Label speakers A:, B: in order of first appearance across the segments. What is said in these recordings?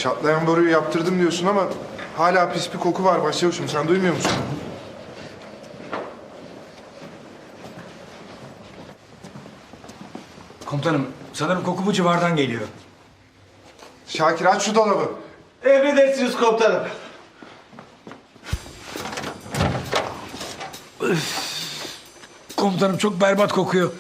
A: Çatlayan boruyu yaptırdım diyorsun ama hala pis bir koku var başçavuşum. Sen duymuyor musun?
B: Komutanım, sanırım koku bu civardan geliyor.
A: Şakir aç şu dolabı.
C: Emredersiniz komutanım.
B: Komutanım çok berbat kokuyor.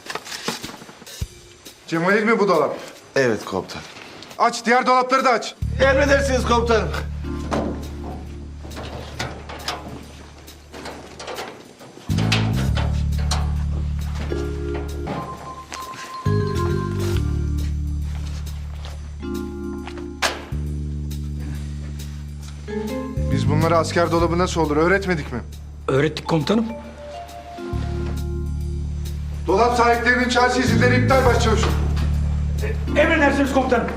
A: Cemalil mi bu dolap?
C: Evet komutanım.
A: Aç, diğer dolapları da aç.
C: Emredersiniz komutanım.
A: Biz bunları asker dolabı nasıl olur öğretmedik mi?
B: Öğrettik komutanım.
A: Dolap sahiplerinin çarşı izinleri iptal başçavuşum.
B: Emredersiniz komutanım.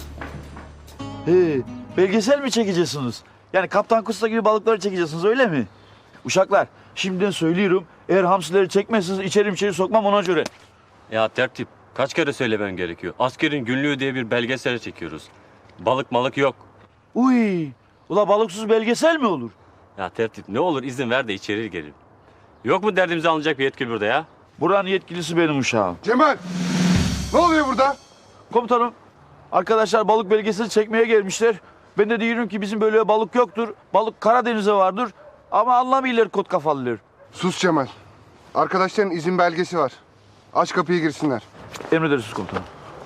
D: He, belgesel mi çekeceksiniz? Yani Kaptan Kusta gibi balıkları çekeceksiniz öyle mi? Uşaklar şimdiden söylüyorum. Eğer hamsileri çekmezseniz içeri sokmam ona göre.
E: Ya tertip, kaç kere söylemem gerekiyor. Askerin günlüğü diye bir belgesel çekiyoruz. Balık malık yok.
D: Uy, ula balıksız belgesel mi olur?
E: Ya tertip ne olur izin ver de içeri girelim. Yok mu derdimizi alınacak bir yetkili burada ya?
D: Buranın yetkilisi benim uşağım.
A: Cemal, ne oluyor burada?
D: Komutanım, arkadaşlar balık belgeseli çekmeye gelmişler. Ben de diyorum ki bizim böyle balık yoktur. Balık Karadeniz'e vardır. Ama anlamıyorlar kot kafalılar.
A: Sus Cemal. Arkadaşların izin belgesi var. Aç kapıyı girsinler.
D: Emredersiniz komutanım.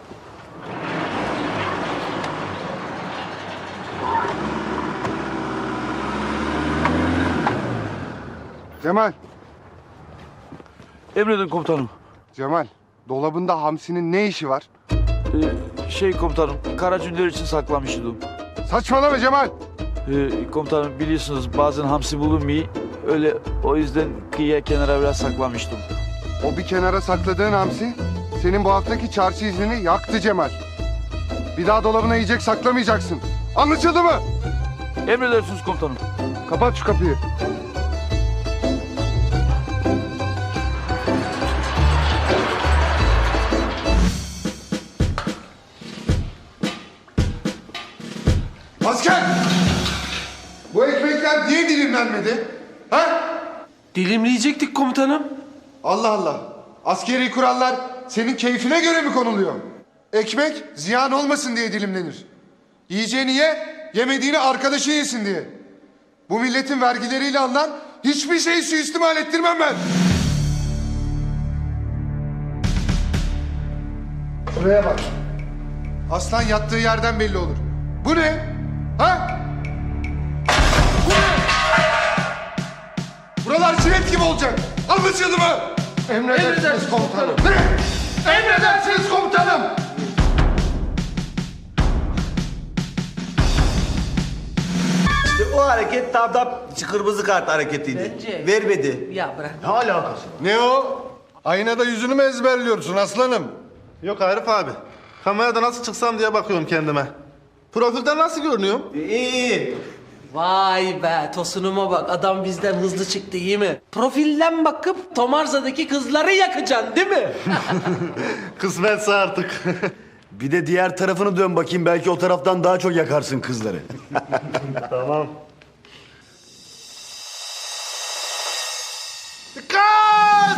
A: Cemal,
D: Emredin komutanım.
A: Cemal. Dolabında hamsinin ne işi var?
D: Komutanım, Karacünler için saklamıştım.
A: Saçmalama Cemal.
D: Komutanım biliyorsunuz bazen hamsi bulunmuyor. Öyle o yüzden kıyıya kenara biraz saklamıştım.
A: O bir kenara sakladığın hamsi senin bu haftaki çarşı iznini yaktı Cemal. Bir daha dolabına yiyecek saklamayacaksın. Anlaşıldı mı?
D: Emredersiniz komutanım.
A: Kapat şu kapıyı. Asker! Bu ekmekler niye dilimlenmedi? Ha?
C: Dilimleyecektik komutanım.
A: Allah Allah. Askeri kurallar senin keyfine göre mi konuluyor? Ekmek ziyan olmasın diye dilimlenir. Yiyeceğini ye, yemediğini arkadaşı yesin diye. Bu milletin vergileriyle alınan hiçbir şeyi suistimal ettirmem ben. Şuraya bak. Aslan yattığı yerden belli olur. Bu ne? Ha? Bu ne? Buralar civet gibi olacak. Anlaşıldı mı? Emredersiniz komutanım. Ne? Emredersiniz komutanım.
C: İşte o hareket tam da kırmızı kart hareketiydi.
F: Bence.
C: Vermedi.
F: Ya bırak.
C: Ne alakası?
G: Ne o? Aynada yüzünü mü ezberliyorsun aslanım?
H: Yok Arif abi. Kamerada nasıl çıksam diye bakıyorum kendime. Profilden nasıl görünüyorum?
C: İyi.
F: Vay be tosunuma bak adam bizden hızlı çıktı iyi mi? Profilden bakıp Tomarza'daki kızları yakacaksın değil mi?
H: Kısmetse artık.
I: Bir de diğer tarafını dön bakayım. Belki o taraftan daha çok yakarsın kızları.
H: Tamam.
A: Dikkat!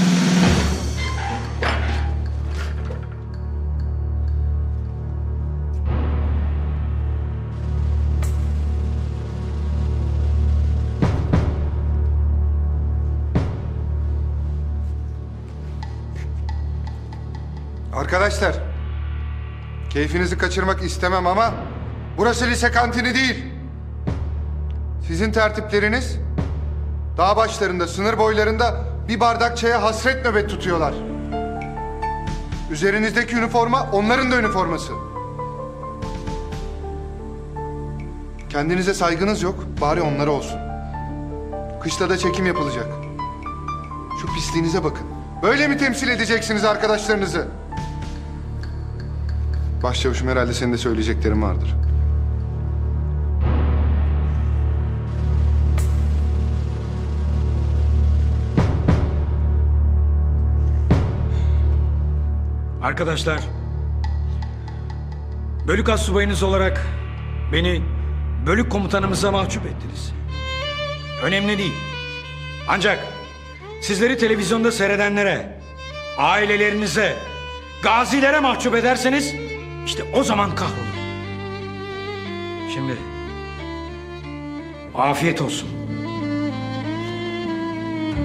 A: Arkadaşlar, keyfinizi kaçırmak istemem ama burası lise kantini değil. Sizin tertipleriniz dağ başlarında, sınır boylarında bir bardak çaya hasret nöbet tutuyorlar. Üzerinizdeki üniforma onların da üniforması. Kendinize saygınız yok, bari onlara olsun. Kışla da çekim yapılacak. Şu pisliğinize bakın. Böyle mi temsil edeceksiniz arkadaşlarınızı? Başçavuşum herhalde senin de söyleyeceklerin vardır.
B: Arkadaşlar, bölük astsubayınız olarak Beni bölük komutanımıza mahcup ettiniz. Önemli değil. Ancak sizleri televizyonda seyredenlere, ailelerinize, gazilere mahcup ederseniz işte o zaman kahrolun. Şimdi afiyet olsun.